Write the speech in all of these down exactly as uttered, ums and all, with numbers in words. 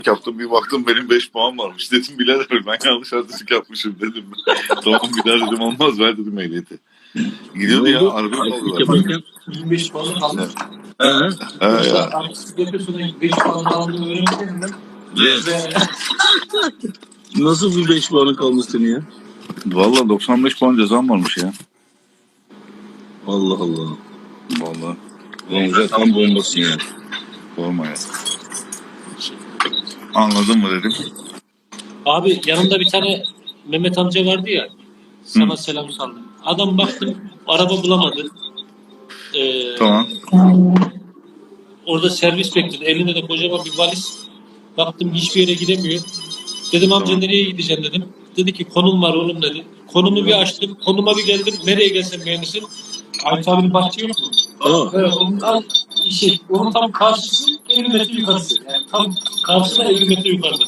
yaptım, bir baktım benim beş puan varmış. Dedim birader ben yanlış artistik yapmışım dedim. Tamam birader dedim, olmaz ver dedim ehliyeti. Gidiyordu ya, araba aldılar. yirmi beş puan kaldı. He. He ya. Artistik yapıyorsun, beş puan aldığını öğrenmedin mi? Nasıl bir beş puanı kaldı senin ya? Valla doksan beş puan cezam varmış ya. Allah Allah. Valla. Gonca tam bombasın ya. Sorma ya. Anladın mı dedim. Abi yanımda bir tane Mehmet amca vardı ya. Sana Hı. selam saldım. Adam baktım araba bulamadı. Ee, Tamam. Orada servis bekledi. Elinde de kocaman bir valiz. Baktım hiçbir yere gidemiyor. Dedim amca Tamam. nereye gideceğim dedim. Dedi ki konum var oğlum dedi. Konumu bir açtım. Konuma bir geldim. Nereye gelsem beğenirsin. Ayet abinin bahçe yok mu? Aa. Evet, onun tam, şey, onun tam karşısı elli metre yukarısı. Yani tam karşısında elli metre yukarıda.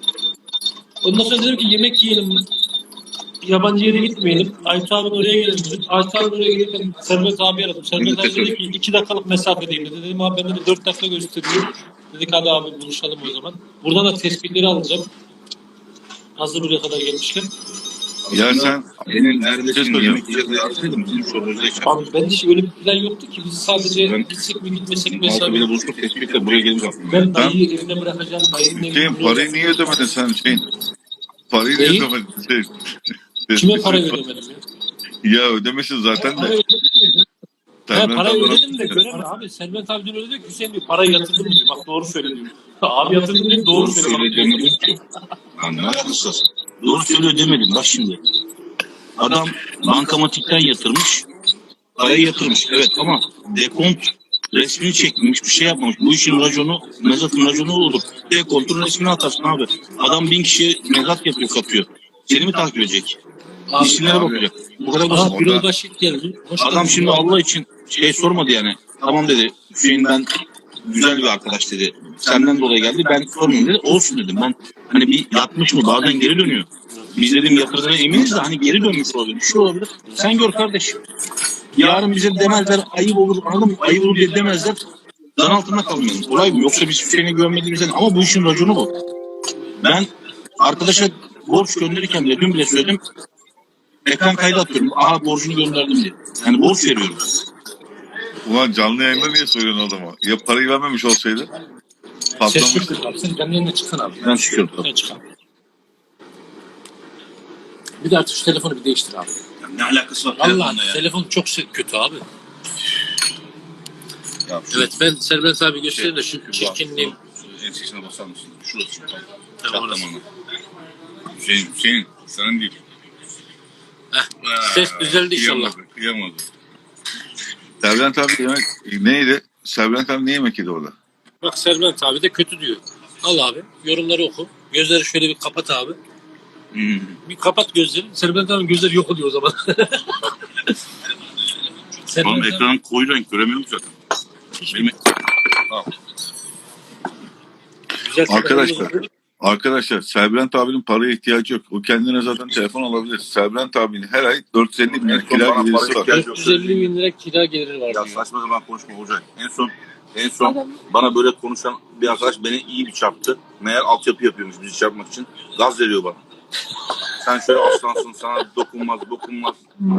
Ondan sonra dedim ki yemek yiyelim. Yabancı yere gitmeyelim. Ayet abinin oraya gelelim dedim. Ayet abinin oraya gelirken Servet abi aradım. Servet abi dedi ki iki dakikalık mesafedeyim dedi. Dedim abi bende de dört dakika gösteriyor. Dedik hadi abi buluşalım o zaman. Buradan da tespitleri alacağım. Hazır buraya kadar gelmişken. Ya sen Senin neredesin Söz yemek yiyeceğiz yazsaydım bizim sorumuzu yaşadık. Abi ben hiç öyle bir plan yoktu ki. Biz sadece Ben- gitsek mi gitmesek mi Altı hesabı. bile buluştuk tespitle buraya geliriz aslında. Ben dayıyı evine bırakacağım. Dayının evine Hüseyin parayı niye ödemedin sen Hüseyin? Parayı niye Neyi? ödemedin Hüseyin? Kime para ödemedim ya? Ya ödemişsin zaten Para de. ödedim. He Servet parayı abi- ödedim de göremem abi. Servet abi dün öyle diyor ki Hüseyin diyor parayı yatırdım diyor. Bak doğru söylüyor. Abi yatırdım diyor doğru Doğru söylüyor. söylüyor demedim ki. Anlaşılsın. Doğru söylüyor demedim bak şimdi. Adam bankamatikten yatırmış. Parayı yatırmış evet ama dekont resmini çekmemiş bir şey yapmamış. Bu işin raconu mezatın raconu olur. Dekontun resmini atarsın abi. Adam bin kişi mezat yapıyor kapıyor. Seni mi takip edecek? Abi, İsimlere abi. bakacak. Bu kadar basit. Aha bir yol başı geldi. Hoş Adam geldin. şimdi Allah için şey sormadı yani. Tamam dedi. Hüseyin ben güzel bir arkadaş dedi. Senden dolayı geldi. Ben sormayayım dedi. Olsun dedim. Ben hani bir yatmış mı bazen geri dönüyor. Biz dedim yatırdığına eminiz de hani geri dönmüş olabilir. Bir şey olabilir. Sen gör kardeşim. Yarın bize demezler ayıp olur anladın mı? Ayıp olur diye demezler. Dan altında kalmayalım. Olay bu. Yoksa biz Hüseyin'e güvenmediğimizden ama bu işin raconu bu. Ben arkadaşa borç gönderirken bile dün bile söyledim. Ekran kaydı atıyorum. Aha borcunu gönderdim diye. Yani borç veriyorum. Ulan canlı yayında niye söylüyorsun adama? Ya parayı vermemiş olsaydı? Ses Patlamış. yok abi. Sen canlı yayına çıksana abi. Ben çıkıyorum. Ben çıkalım. Bir de artık şu telefonu bir değiştir abi. Ne alakası var? Allah telefon çok kötü abi. Ya, Evet ben Servet abi göstereyim de şu çirkinliğim. Ensesine basar mısın? Şurası. Tamam, orası. Hüseyin, Hüseyin. Senin değil. Heh, ses düzeldi inşallah. Kıyamadı. Kıyamadı. Servet abi yemek neydi? Servet abi ne yemek yedi orada? Bak Servet abi de kötü diyor. Al abi yorumları oku. Gözleri şöyle bir kapat abi. Hmm. Bir kapat gözleri. Servet abi gözleri yok oluyor o zaman. Oğlum ekranın koyu renk göremiyorum zaten. Benim... Güzel Arkadaşlar, arkadaşlar Serbrent abinin paraya ihtiyacı yok. O kendine zaten telefon alabilir. Serbrent abinin her ay dört yüz elli bin lira kira gelirisi var. dört yüz elli bin lira kira geliri var Ya diyor. saçma zaman konuşma olacak. En son en son bana böyle konuşan bir arkadaş beni iyi bir çarptı. Meğer altyapı yapıyormuş bizi çarpmak için. Gaz veriyor bana. Sen şöyle aslansın sana dokunmaz dokunmaz.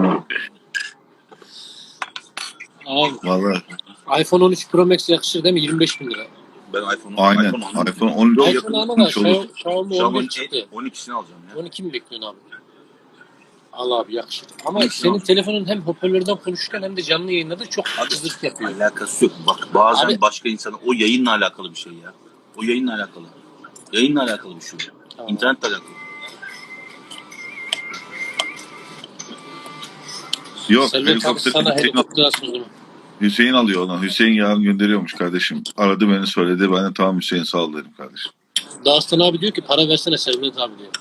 Abi Vallahi iPhone on üç Pro Max yakışır değil mi? yirmi beş bin lira. Ben iPhone'u aynen. iPhone aldım. iPhone on üç iPhone ama da yapılmış olur. Xiaomi Xiaomi on Xiaomi bir çıktı. on ikisini alacağım ya. on iki mi bekliyorsun abi? Al abi yakışır. Ama on iki senin al. telefonun hem hoparlörden konuşurken hem de canlı yayında da çok cızırtı yapıyor. Alakası yok. Bak bazen Abi- başka insana o yayınla alakalı bir şey ya. O yayınla alakalı. Yayınla alakalı bir şey. Tamam. İnternetle alakalı. Yok, Servet abi helikopter sana Hüseyin, helikopter asmış o zaman. Hüseyin alıyor onu. Hüseyin yarın gönderiyormuş kardeşim. Aradı beni söyledi. Ben de tamam Hüseyin sağ ol dedim kardeşim. Dağıstan abi diyor ki para versene Servet abi diyor.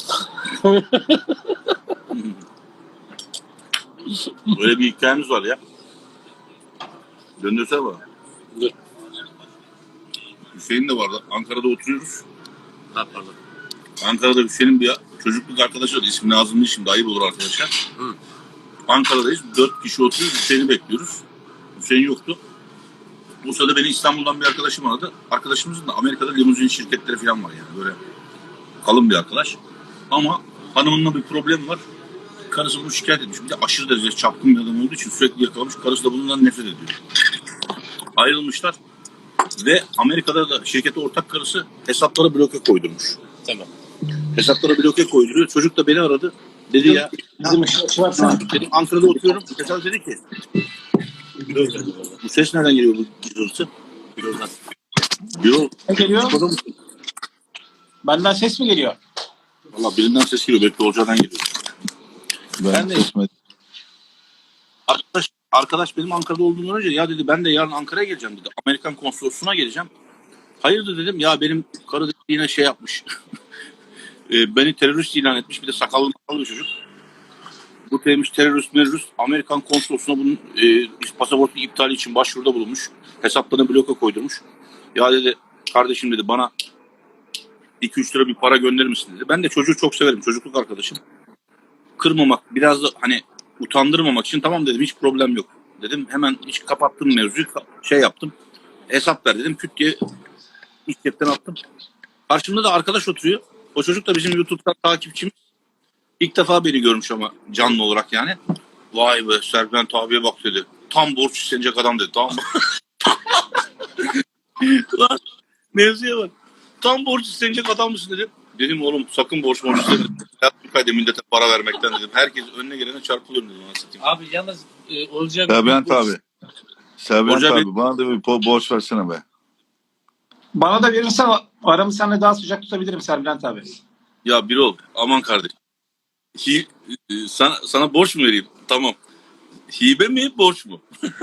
Böyle bir hikayemiz var ya. Döndürsene bana. Dur. Hüseyin de vardı. Ankara'da oturuyoruz. Ha pardon. Ankara'da Hüseyin'in bir çocukluk arkadaşı vardı. İsmi Nazım değil şimdi ayıp olur arkadaşlar. Hı. Ankara'dayız. Dört kişi oturuyoruz. Hüseyin'i bekliyoruz. Hüseyin yoktu. O sırada beni İstanbul'dan bir arkadaşım aradı. Arkadaşımızın da Amerika'da limuzin şirketleri falan var yani. Böyle kalın bir arkadaş. Ama hanımınla bir problem var. Karısı bunu şikayet etmiş. Bir de aşırı derecede çapkın bir adam olduğu için sürekli yakalamış. Karısı da bundan nefret ediyor. Ayrılmışlar. Ve Amerika'da da şirkete ortak karısı hesaplara bloke koydurmuş. Tamam. Hesaplara bloke koyduruyor. Çocuk da beni aradı. Dedi ya, Bizim ışık varsana. dedim Ankara'da oturuyorum. Hesap dedi ki, bu ses nereden geliyor bu cızırtısı? Birazdan. Diyor. Ne geliyor? Benden ses mi geliyor? Valla birinden ses geliyor. Belki Olcay'dan geliyor. Ben, Ben de- kesmedim. Arkadaş, arkadaş benim Ankara'da olduğumdan önce ya dedi ben de yarın Ankara'ya geleceğim dedi. Amerikan konsolosluğuna geleceğim. Hayırdır dedim ya benim karı dedi, yine şey yapmış. e, beni terörist ilan etmiş. Bir de sakallı makallı bir çocuk. Bu demiş terörist merörist Amerikan konsolosluğuna bunun e, pasaportu iptali için başvuruda bulunmuş. Hesaplarına bloke koydurmuş. Ya dedi kardeşim dedi bana iki üç lira bir para gönderir misin dedi. Ben de çocuğu çok severim. Çocukluk arkadaşım. Kırmamak biraz da hani utandırmamak için tamam dedim hiç problem yok. Dedim hemen hiç kapattım mevzuyu şey yaptım. Hesap ver dedim küt diye iş cepten attım. Karşımda da arkadaş oturuyor. O çocuk da bizim YouTube'dan takipçimiz. İlk defa beni görmüş ama canlı olarak yani. Vay be Serpent abiye bak dedi. Tam borç istenecek adam dedi. Tamam mı? Lan mevzuya bak. Tam borç istenecek adam mısın dedim. Dedim oğlum sakın borç borç isteme. Hayatım kaydı millete para vermekten dedim. Herkes önüne gelene çarpılıyorum dedim. Anlatayım. Abi yalnız e, olacak. Serbent abi. Serbent Hocam abi bana da bir po- borç versene be. Bana da verirsen aramı seninle daha sıcak tutabilirim Serbülent abi. Ya bir ol aman kardeş. Hi, e, sana, sana borç mu vereyim? Tamam. Hibe mi borç mu?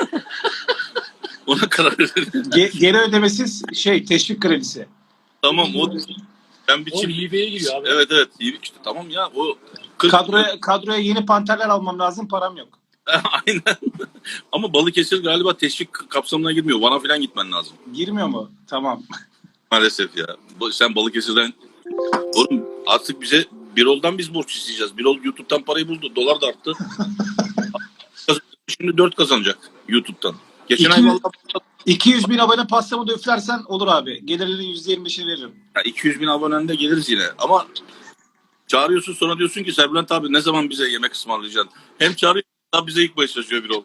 Ona karar verelim. Ge- geri ödemesiz şey teşvik kredisi. Tamam o ben bir O çift. hibeye giriyor abi. Evet evet hibe işte tamam ya o kırk Kadroya, kadroya yeni panterler almam lazım, param yok. aynen. Ama Balıkesir galiba teşvik kapsamına girmiyor. Van'a falan gitmen lazım. Girmiyor mu? Tamam. Maalesef ya. Bu- Sen Balıkesir'den oğlum artık bize Birol'dan biz borç isteyeceğiz. Birol YouTube'dan parayı buldu. Dolar da arttı. Şimdi dört kazanacak YouTube'dan. Geçen ay İki- vallahi iki yüz bin abone pastamı da üflersen olur abi. Gelirlerin yüzde yirmi beşini veririm. ya iki yüz bin abonende geliriz yine. Ama çağırıyorsun sonra diyorsun ki Serbülent abi ne zaman bize yemek ısmarlayacaksın? Hem çağırıyorsun hem bize ilk başlaşıyor Birol.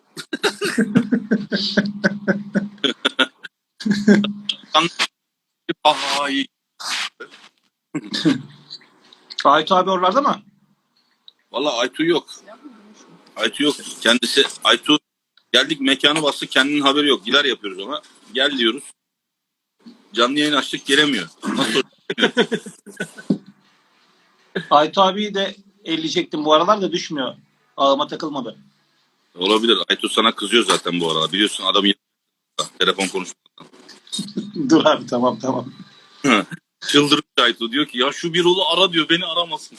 Ay. Aytu abi oralarda mı? Valla Aytu yok. Aytu yok. Kendisi Aytu geldik mekanı bastık kendinin haberi yok. Gider yapıyoruz ona. Gel diyoruz. Canlı yayın açtık gelemiyor. Nasıl? Aytu abiyi de elleyecektim. Bu aralar da düşmüyor. Ağıma takılmadı. Olabilir. Aytu sana kızıyor zaten bu arada. Biliyorsun adam telefon konuşmadan. Dur abi tamam tamam. Çıldırmış Aytu diyor ki ya şu bir oğlu ara diyor beni aramasın.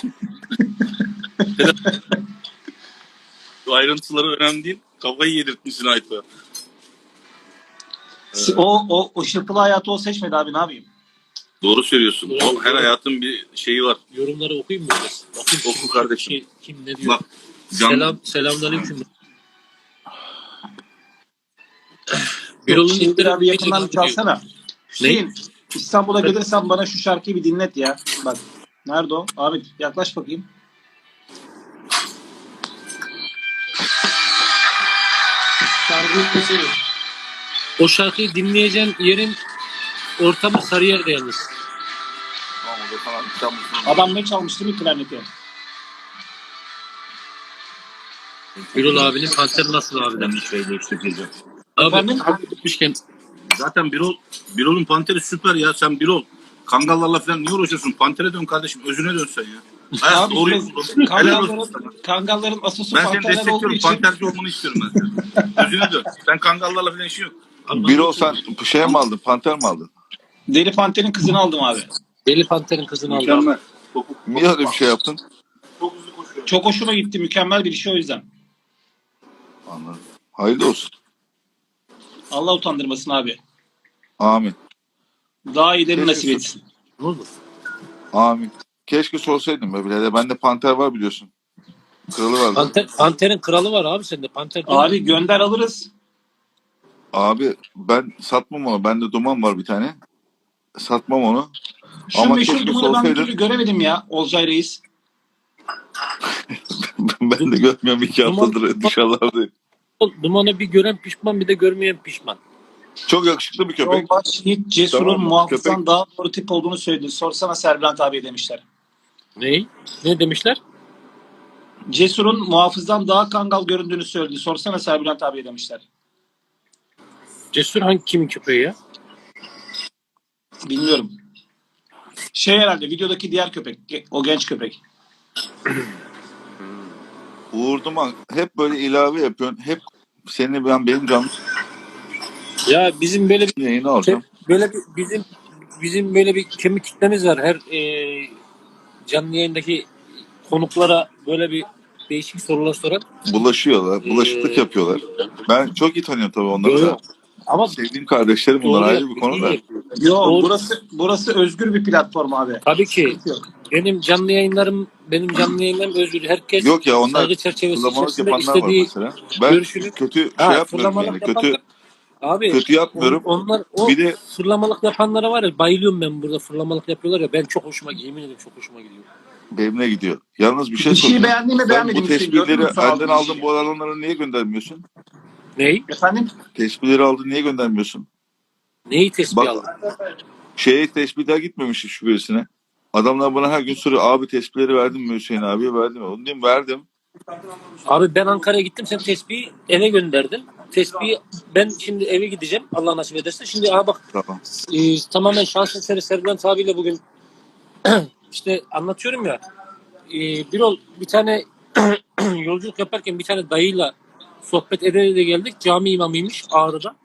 Bu ayrıntıları önemli değil. Kafayı yedirtmişsin Aytu. Evet. O, o, o şırpılı hayatı o seçmedi abi, ne yapayım? Doğru söylüyorsun. Doğru, O, her doğru. hayatın bir şeyi var. Yorumları okuyayım mı biraz? Bakayım Oku kim- kardeşim. Şey, kim ne diyor? Bak, can- Selam, selamünaleyküm. Birol'un Hüseyin linkleri abi yakından bir çalsana. Hüseyin, İstanbul'a gelirsen bana şu şarkıyı bir dinlet ya. Bak. Nerede o? Abi yaklaş bakayım. Şarkıyı keselim. O şarkıyı dinleyeceğin yerin ortamı Sarıyer'de yalnız. Tamam, o da sana İstanbul'un- Adam ne çalmıştı bir klarneti? Birol abinin kanteri nasıl abi? Ben bir şey değiştireceğim. Abi Efendim? abi gitmişken Zaten Birol, Birol'un Panteri süper ya. Sen Birol Kangallarla falan niye uğraşıyorsun? Pantere dön kardeşim. Özüne dön sen ya. Hayat Abi doğruyu biz buldun. Helal olsun Kangalların, sana. kangalların asası Ben seni panterler olduğu destekliyorum. için Panterci olmanı istiyorum ben senin. Özüne dön. Sen Kangallarla falan işin yok. Bir ol sen şey mi aldın? Panter mi aldın? Deli Panter'in kızını aldım abi. Deli Panter'in kızını aldı. abi. Mükemmel. Çok, Niye öyle bir şey yaptın? çok hızlı koşuyor. Çok hoşuma gitti. Mükemmel bir iş o yüzden. Anladım. Hayırlı olsun. Allah utandırmasın abi. Amin. Daha iyilerini Keşke nasip etsin. Ne oldu? Amin. Keşke sorsaydın be birader. Bende panter var biliyorsun. Kralı vardı. Panter, Panter'in kralı var abi sende. Panter değil mi? Abi gönder alırız. Abi ben satmam onu. Bende duman var bir tane. Satmam onu. Şu Ama meşhur keşke dumanı ben bir sorsaydın. türlü göremedim ya Olcay Reis. Ben de görmüyorum iki haftadır dışarılardayım. Dumanı bir gören pişman, bir de görmeyen pişman. Çok yakışıklı bir köpek. Yolbaş Yiğit Cesur'un Tamam mı? muhafızdan Köpek- daha doğru tip olduğunu söyledi. Sorsana Serbülent abi demişler. Ney? Ne demişler? Cesur'un muhafızdan daha kangal göründüğünü söyledi. Sorsana Serbülent abi demişler. Cesur hangi kimin köpeği ya? Bilmiyorum. Şey herhalde videodaki diğer köpek. ge- O genç köpek. Uğur Duman hep böyle ilave yapıyorsun. Hep seni ben benim canlı Ya bizim böyle bir yayını alacağım. böyle bir bizim bizim böyle bir kemik kitlemiz var. Her e, canlı yayındaki konuklara böyle bir değişik sorular soran. Bulaşıyorlar. Bulaşıklık Ee, yapıyorlar. Ben çok iyi tanıyorum tabii onları da. Yok. Ama Sevdiğim kardeşlerim bunlar doğru ayrı bir yapıyor, konu iyi da. yapıyor. Yo Doğru. burası burası özgür bir platform abi. Tabii ki. Sıkıntı yok. Benim canlı yayınlarım benim canlı yayınlarım özgür. Herkes Yok ya onlar saygı çerçevesi fırlamalık içerisinde yapanlar var istediği mesela. Ben görüşünü kötü şey Ha, yapmıyorum fırlamalık yani. Kötü yapanlar- abi kötü yapmıyorum. on- onlar o Bir de fırlamalık yapanlara var ya, bayılıyorum ben, burada fırlamalık yapıyorlar ya, ben çok hoşuma gidiyor. Yemin ederim çok hoşuma gidiyor. benimle gidiyor. Yalnız bir şey Bir şeyi soracağım. beğendin mi Sen beğenmedin bu mi? Hüseyin? Gördün mü tespihleri son aldığın elden aldın işi? bu alanları niye göndermiyorsun? Ney? Efendim? Tespihleri aldın niye göndermiyorsun? Neyi tespih Bak aldın? şeye tespihler gitmemiş hiç birisine. Adamlar bana her gün soruyor. Abi tespihleri verdin mi Hüseyin abiye verdim mi? Onu diyeyim verdim. Abi ben Ankara'ya gittim, sen tespihi eve gönderdin. Tespihi ben şimdi eve gideceğim Allah nasip ederse. Şimdi aha bak Tamam. e, tamamen şans eseri Serbülent abiyle bugün işte anlatıyorum ya. E, bir ol bir tane yolculuk yaparken bir tane dayıyla sohbet ede ede geldik. Cami imamıymış Ağrı'da.